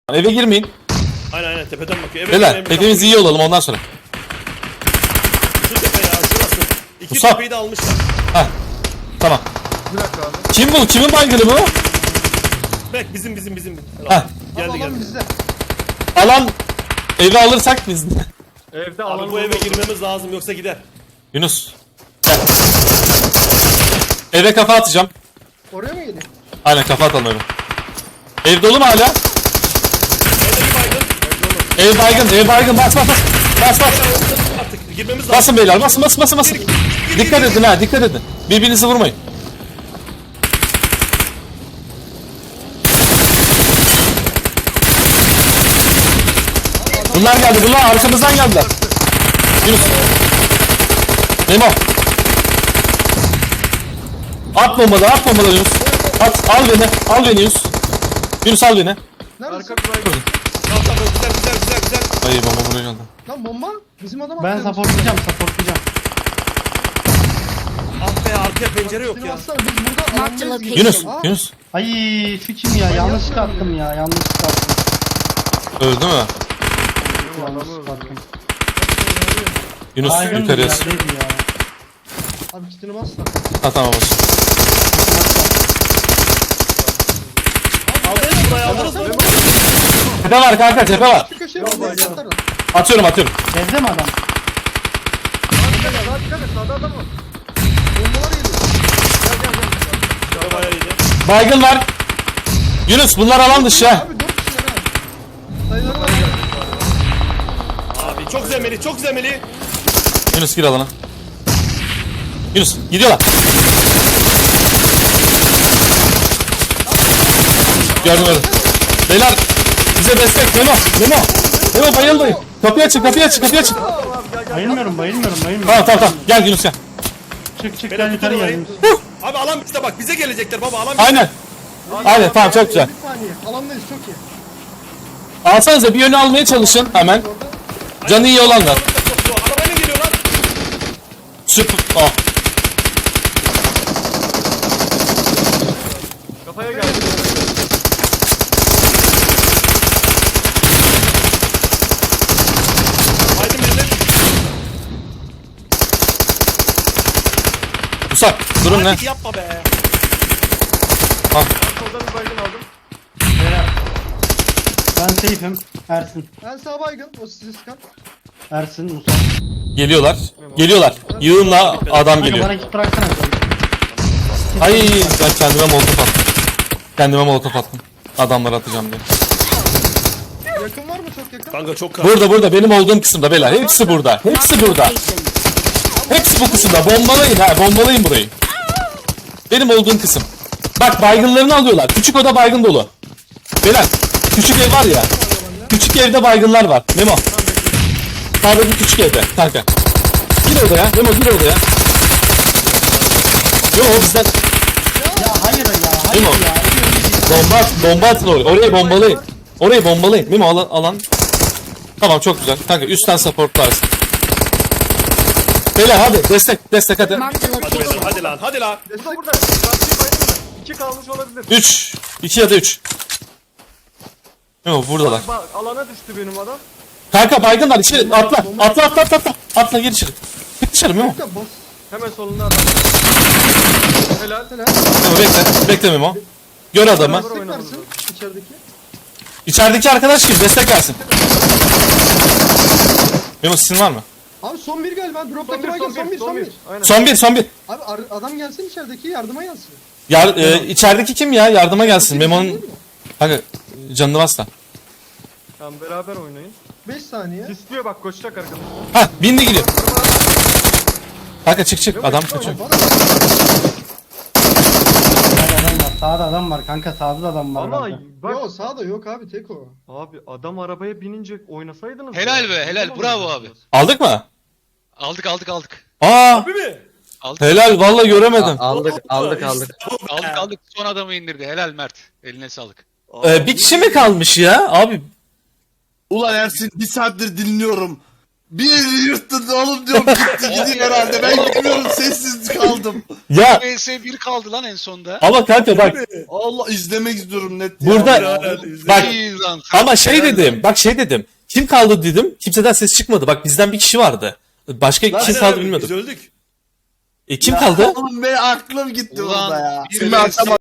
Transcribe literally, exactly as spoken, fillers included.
Eve girmeyin. Aynen aynen tepeden bakıyor. Evet, Beyler hepimiz iyi olalım ondan sonra. Şu tepe ya şurası. İki Musab. tepeyi de almışlar. Heh. Tamam. Bir dakika abi. Kim bu? Kimin baygını bu? Bek bizim bizim bizim. Heh. Geldi Abi geldi. alan bizde. Alan evi alırsak biz. Evde Abi alan bu eve girmemiz lazım yoksa gider. Yunus. Gel. Eve kafa atacağım. Oraya mı geliyor? Aynen kafa atalım eve. Ev dolu mu hala? Evde bir baygın. Ev baygın, ev baygın. Bas bas bas. Bas bas. Artık girmemiz lazım. Basın beyler, basın basın basın basın. Dikkat edin ha, dikkat edin. Birbirinizi vurmayın. Bunlar geldi, bunlar arkamızdan geldiler. Yunus. Memo. At bombaları, at bombaları Yunus. At, al beni, al beni Yunus. Yunus al beni. Neredesin? Arka baygın. Tamam tamam güzel güzel güzel güzel. Ay bomba buraya geldi. Lan bomba. Bizim adam Ben atıyor. supportlayacağım, supportlayacağım. Ah be arkaya pencere yok Seni ya. atsana, biz burada Marked alandayız gibi. Yunus, Aa, Yunus. Ay şu kim ya? Yanlışlıkla attım ya, yanlışlıkla attım. Öldü mü? Yanlışlıkla attım. Yunus Baygın yukarıya. bir yerdeydi ya. Abi kitini bas lan. Ha tamam bas. Aldınız buraya aldınız mı? Tepe var kanka, tepe var. Şu köşeye bas. Atarım. Atıyorum atıyorum. Evde mi adam? Dikkat et, daha dikkat et. Sağda adam var. Bombalar geliyor. Gel gel gel. Şöyle bayağı iyiydi. Baygın var. Yunus bunlar alan dışı ha. Abi dört kişiler ha. Sayıları var. Abi çok zemeli çok zemeli. Yunus gir alana. Yunus gidiyorlar. Gördüm gördüm. Beyler bize destek. Memo. Memo. Memo bayılmayın. Kapıyı açın kapıyı açın kapıyı açın. Bayılmıyorum, bayılmıyorum, bayılmıyorum. Tamam tamam tamam. Gel Yunus gel. Çık çık Beyler gel yukarı tutun gel. orayı. Abi alan bizde bak bize gelecekler baba alan bizde. Aynen. Aynen tamam çok güzel. Bir saniye. Alandayız çok iyi. Alsanıza bir yönü almaya çalışın hemen. Canı iyi olanlar. Arabayla geliyor lan. Süper. Oh. Kafaya geldi. Haydi millet. Musab durum ne? Hadi yapma be. Orada bir baygın aldım. Ben safe'im. Ersin. Ben sağ baygın. O sizi sıkan. Ersin, Musa. Geliyorlar. Geliyorlar. Yığınla adam Kanka geliyor. bana git bıraksana. Ay ben kendime molotof attım. Kendime molotof attım. Adamları atacağım diye. Yakın var mı çok yakın? Kanka çok kar. Burada burada benim olduğum kısımda beyler. Hepsi burada. Hepsi burada. Hepsi bu kısımda. Bombalayın ha. Bombalayın burayı. Benim olduğum kısım. Bak baygınlarını alıyorlar. Küçük oda baygın dolu. Beyler küçük ev var ya. Küçük evde baygınlar var. Memo. Sağdaki küçük evde kanka. Gir odaya. Memo gir odaya. Yo o bizden. Ya hayır ya, hayır Değil mi o? ya. Bomba at, bomba atın oraya. Orayı bombalayın. Orayı bombalayın. Memo alan, alan. Tamam çok güzel. Kanka üstten supportlarsın. Beyler hadi destek destek hadi. Marked a Hadi beyler location. hadi lan hadi lan. Destek burada. Karşıyı baygın mı? İki kalmış olabilir. üç. iki ya da üç. Memo buradalar. Bak alana düştü benim adam. Kanka baygınlar içeri atla. Atla atla atla atla. Atla gir içeri. Gir içeri Memo. Ya bas. Hemen solunda adam. Helal. Helal. Memo bekle. Bekle Memo. Gör adamı. Destek versin içerideki. İçerideki arkadaş kim? Destek versin. Memo sizin var mı? Abi son bir galiba. Drop'taki bir, baygın son bir son bir. Aynen. Son bir son bir. Abi ar- adam gelsin içerideki yardıma gelsin. Yar, e, içerideki kim ya? Yardıma gelsin. Memo'nun... Kanka canını bas da. Tamam beraber oynayın. beş saniye. İstiyor bak koşacak arkadaşlar. Ha bindi gidiyor. Kanka çık çık adam kaçıyor. Sağda adam var, sağda adam var kanka, sağda da adam var. Ama kanka. bak. Yok sağda yok abi tek o. Abi adam arabaya binince oynasaydınız. Helal ya. be, helal. Bravo abi. Aldık mı? Aldık aldık aldık. Aa Değil mi? Aldık helal valla göremedim. Aldık aldık aldık. aldık aldık. Son adamı indirdi. Helal Mert. Eline sağlık. Ee, bir kişi mi kalmış ya? Abi Ulan Ersin bir saattir dinliyorum. Bir yırttın oğlum diyorum gitti gidiyor herhalde. Ben bilmiyorum sessiz kaldım. Ya V S bir kaldı lan en sonda. ama kanka bak Allah izlemek istiyorum net. Burada- ya. bak İyi lan. ama şey dedim bak şey dedim. Kim kaldı dedim. Kimseden ses çıkmadı. Bak bizden bir kişi vardı. Başka kim kaldı Biz bilmiyordum. öldük. E, kim kaldı? Oğlum benim aklım gitti Ulan, burada ya. bir Şimdi V S atamadım.